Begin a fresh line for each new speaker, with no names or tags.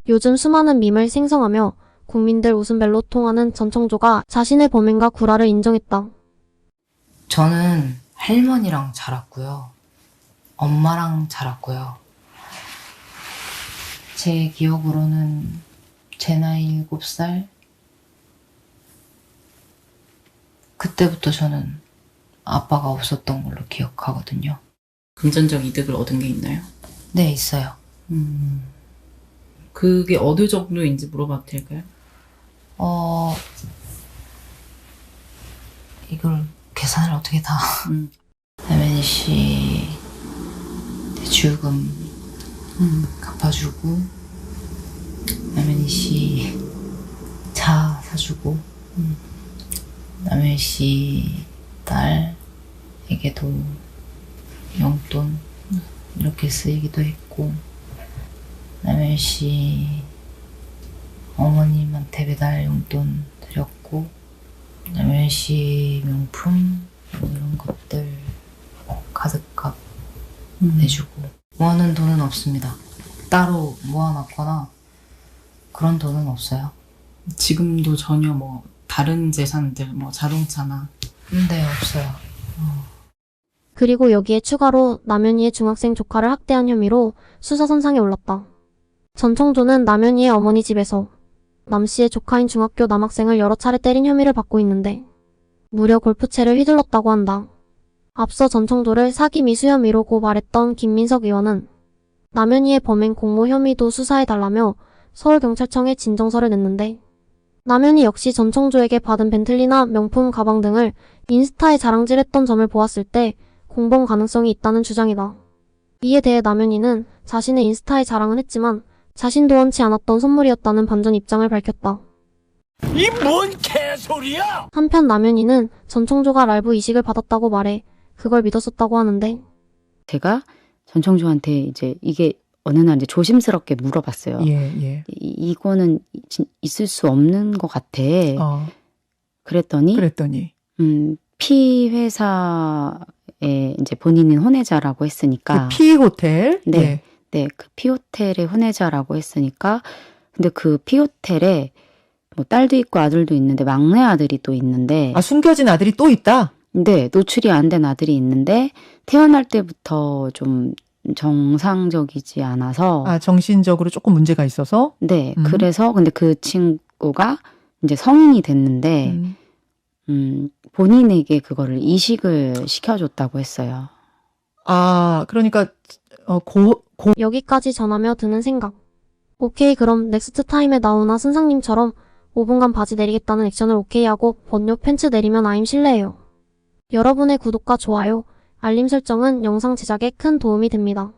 요즘 수많은 밈을 생성하며 국민들 웃음벨로 통하는 전청조가 자신의 범행과 구라를 인정했다.
저는 할머니랑 자랐고요. 엄마랑 자랐고요. 제 기억으로는 제 나이 7살? 그때부터 저는 아빠가 없었던 걸로 기억하거든요.
금전적 이득을 얻은 게 있나요?
네, 있어요.
그게 어느 정도인지 물어봐도 될까요?
이걸 계산을 어떻게 다.
음.
남현이 씨 대출금 갚아주고, 남현이 씨 차 사주고, 남현이 씨 딸에게도 용돈 이렇게 쓰이기도 했고, 남현이 씨 어머님한테 배달 용돈 드렸고, 남현이 씨 명품 이런 것들 카드값 내주고. 모아놓은 돈은 없습니다. 따로 모아놨거나 그런 돈은 없어요.
지금도 전혀 뭐 다른 재산들, 뭐 자동차나
네, 없어요.
그리고 여기에 추가로 남현이의 중학생 조카를 학대한 혐의로 수사선상에 올랐다. 전청조는 남현이의 어머니 집에서 남씨의 조카인 중학교 남학생을 여러 차례 때린 혐의를 받고 있는데 무려 골프채를 휘둘렀다고 한다. 앞서 전청조를 사기 미수 혐의로 고발했던 김민석 의원은 남현이의 범행 공모 혐의도 수사해달라며 서울경찰청에 진정서를 냈는데, 남현이 역시 전청조에게 받은 벤틀리나 명품 가방 등을 인스타에 자랑질했던 점을 보았을 때 공범 가능성이 있다는 주장이다. 이에 대해 남현이는 자신의 인스타에 자랑은 했지만 자신도 원치 않았던 선물이었다는 반전 입장을 밝혔다.
이 뭔 개소리야!
한편 남현이는 전청조가 랄부 이식을 받았다고 말해 그걸 믿었었다고 하는데,
제가 전청조한테 이제 이게 어느 날 이제 조심스럽게 물어봤어요.
예.
이거는 있을 수 없는 것 같아. 그랬더니 P 회사에 이제 본인은 혼외자라고 했으니까
그 P 호텔.
네, 그 P 호텔의 혼외자라고 했으니까, 근데 그 P 호텔에 뭐 딸도 있고 아들도 있는데 막내 아들이 또 있는데,
숨겨진 아들이 또 있다.
네, 노출이 안 된 아들이 있는데 태어날 때부터 좀 정상적이지 않아서.
정신적으로 조금 문제가 있어서?
네, 그래서 근데 그 친구가 이제 성인이 됐는데 본인에게 그거를 이식을 시켜줬다고 했어요.
그러니까
여기까지 전하며 드는 생각. 오케이, 그럼 넥스트 타임에 나오나 선상님처럼 5분간 바지 내리겠다는 액션을 오케이하고 번요 팬츠 내리면 아임 실례예요. 여러분의 구독과 좋아요, 알림 설정은 영상 제작에 큰 도움이 됩니다.